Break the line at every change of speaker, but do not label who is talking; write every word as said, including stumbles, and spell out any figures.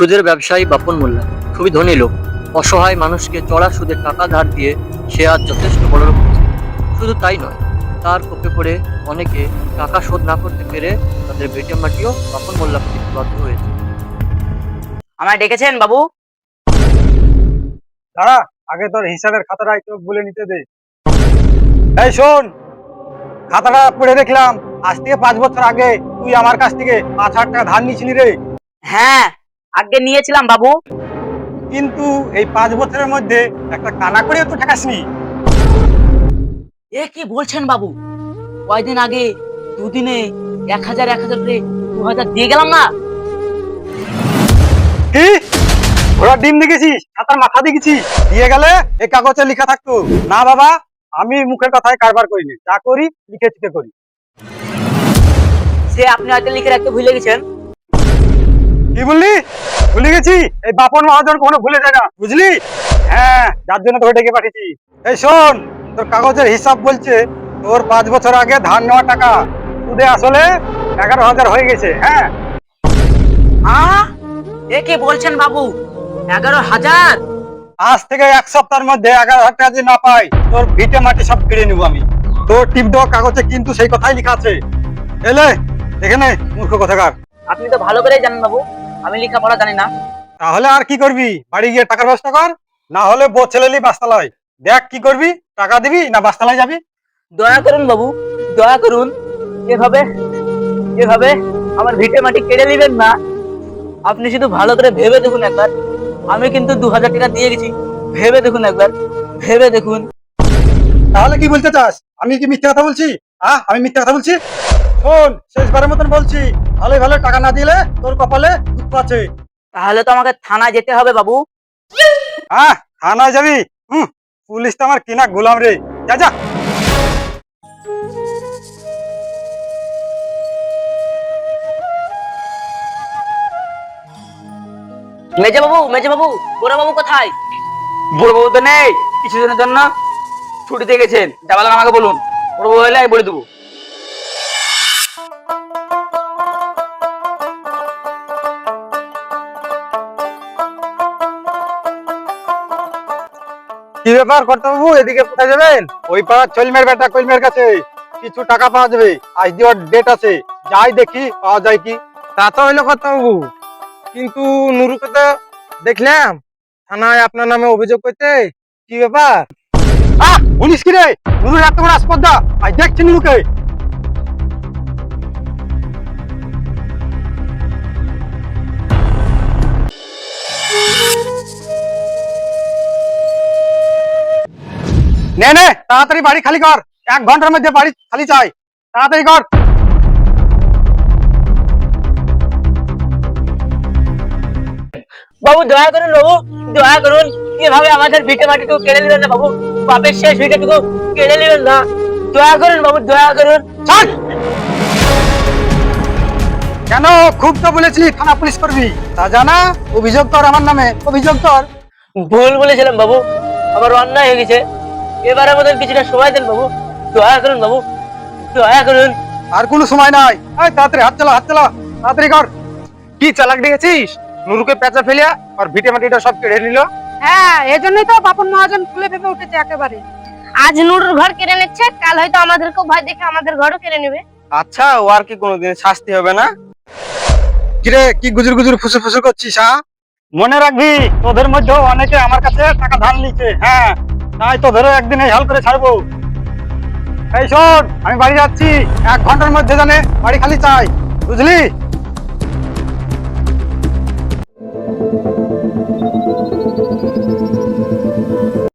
সুদের ব্যবসায়ী বাপন মোল্লা খুবই ধনী লোক। অসহায় মানুষকে চড়া সুদের টাকা ধার দিয়ে সে আজ যথেষ্ট বড়লোক হয়েছে। শুধু তাই নয়, তার কোপে পড়ে অনেকে টাকা শোধ না করতে পেরে তাদের ভিটে মাটিও বাপন মোল্লাকে দিতে বাধ্য হয়েছে।
আমায় ডেকেছেন বাবু?
দাঁড়া, আগে তোর হিসাবের খাতাটা একটু বলে নিতে দে। এই শোন, খাতাটা পড়ে দেখলাম আজ থেকে পাঁচ বছর আগে তুই আমার কাছ থেকে পাঁচ হাজার টাকা ধার নিয়েছিলি রে।
হ্যাঁ, আগে নিয়েছিলাম বাবু।
কিন্তু এই পাঁচ বছরের মধ্যে একটা কানা করেও তো ঠেকাসনি।
এ কি বলছেন বাবু? কয়দিন আগে দুদিনে এক হাজার এক হাজার করে দু হাজার দিয়ে গেলাম না।
কি ঘোড়ার ডিম দেখেছিস, খাতার মাথা দেখেছিস? দিয়ে গেলে এই কাগজে লেখা থাকতো না বাবা, আমি মুখের কথায় কারবার করিনি, যা করি লিখে চিকে করি।
সে আপনি হয়তো লিখে রাখতে ভুলে গেছেন।
কি বললি? ভুলে গেছি? এই বাপন মহাজন কোনো ভুলে যায় না, বুঝলি? হ্যাঁ, যার জন্য তোকে ডেকে পাঠিয়েছি। এই শোন, তোর কাগজের হিসাব বলছে তোর পাঁচ বছর আগে ধার নেওয়া টাকা সুদে আসলে এগারো হাজার হয়ে গেছে। হ্যাঁ,
আহ এ কি বলছেন বাবু? এগারো হাজার?
আজ থেকে এক সপ্তাহের মধ্যে এগারো হাজার টাকা যদি না পাই তোর ভিটে মাটি সব কেড়ে নিবো আমি। তোর টিপ দেওয়া কাগজে কিন্তু সেই কথাই লেখা আছে। এলে এখানে মূর্খ কথাকার।
আপনি তো ভালো করেই জানেন বাবু, আমি লেখাপড়া জানি না।
তাহলে আর কি করবি? বাড়ি গিয়ে টাকার ব্যবস্থা কর, না হলে বউ ছেলেলি বাস্তালয়। দেখ কি করবি, টাকা দিবি না বাস্তালয় যাবি?
দয়া করুন বাবু, দয়া করুন। এভাবে এভাবে আমার ভিটে মাটি কেড়ে নেবেন না। আপনি শুধু ভালো করে ভেবে দেখুন একবার। আমি কিন্তু দু হাজার টাকা দিয়ে গেছি। ভেবে দেখুন একবার, ভেবে দেখুন।
তাহলে কি বলতে চাস? আমি কি মিথ্যা কথা বলছি? আহ আমি মিথ্যা কথা বলছি? শোন, শেষবারের মতন বলছি, ভালো ভালো টাকা না দিলে তোর কপালে দুঃখ আছে।
তাহলে তো আমাকে থানায় যেতে হবে বাবু।
হ্যাঁ, থানায় যাবি? হুম, পুলিশ তো আমার কিনা গোলাম রে। যা যা।
মেজে বাবু, মেজে বাবু, বড় বাবু কোথায়? বড় বাবু তো নেই, কিছুদিনের জন্য ছুটিতে গেছেন। যাবার আমাকে বলুন, বড় বাবু হলে আমি বলে দেবো।
কি ব্যাপার কর্তাবাবু, এদিকে কোথায় যাবেন? ওই পাড়ার চলমের বেটা কলমের কাছে কিছু টাকা পাওয়া যাবে, আজ দেওয়ার ডেট আছে। যাই দেখি পাওয়া যায় কি। তা তো হইলো কর্তাবাবু, কিন্তু নুরুকে তো দেখলাম থানায় আপনার নামে অভিযোগ করতে। কি ব্যাপার? আহ বলিস কি রে? নুরুর এত বড় আসপর্দা, আজ দেখছি নুরুকে। নে নে, তাড়াতাড়ি বাড়ি খালি কর, এক ঘন্টার মধ্যে বাড়ি খালি চাই, তাড়াতাড়ি কর।
বাবু দয়া করুন, বাবু দয়া করুন। এভাবে আমাদের ভিটে মাটিটুকু কেড়ে নেবেন না বাবু। বাপের শেষ ভিটেটুকু কেড়ে নেবেন না। দয়া করুন বাবু, দয়া করুন।
ছাড়! কেন? খুব তো বলেছি থানা পুলিশ করবি, তা জানা অভিযোগ কর আমার নামে, অভিযোগ কর।
ভুল বলেছিলাম বাবু, আমার অন্যায় হয়ে গেছে। এবারে মতন কিছুটা সময় দেন বাবু, দয়া করুন বাবু, দয়া করুন।
আর কোনো সময় নাই, এই তাড়াতাড়ি হাত চালা, হাত চালা, তাড়াতাড়ি কর। কি চালাক দেখেছিস? নুরুকে পেঁচা ফেলিয়া আর ভিটে মাটিটা সব কেড়ে নিল।
হ্যাঁ, এজন্যই তো বাপন মহাজন ফুলে ফেপে উঠেছে একেবারে। আজ নুরুর ঘর কেড়ে নিচ্ছে, কাল হয়তো আমাদেরকেও ভয় দেখে আমাদের ঘরও কেড়ে নেবে।
আচ্ছা, ও আর কি কোনোদিন শাস্তি হবে না? কিরে, কি গুজুর গুজুর ফুসুর ফুসুর করছিস? হ্যাঁ, মনে রাখবি তোদের মধ্যে অনেকে আমার কাছে টাকা ধার নিচ্ছে। হ্যাঁ, তাই তোদেরও একদিন এই হাল করে ছাড়বো। এই শোন, আমি বাড়ি যাচ্ছি, এক ঘন্টার মধ্যে জানে বাড়ি খালি চাই, বুঝলি?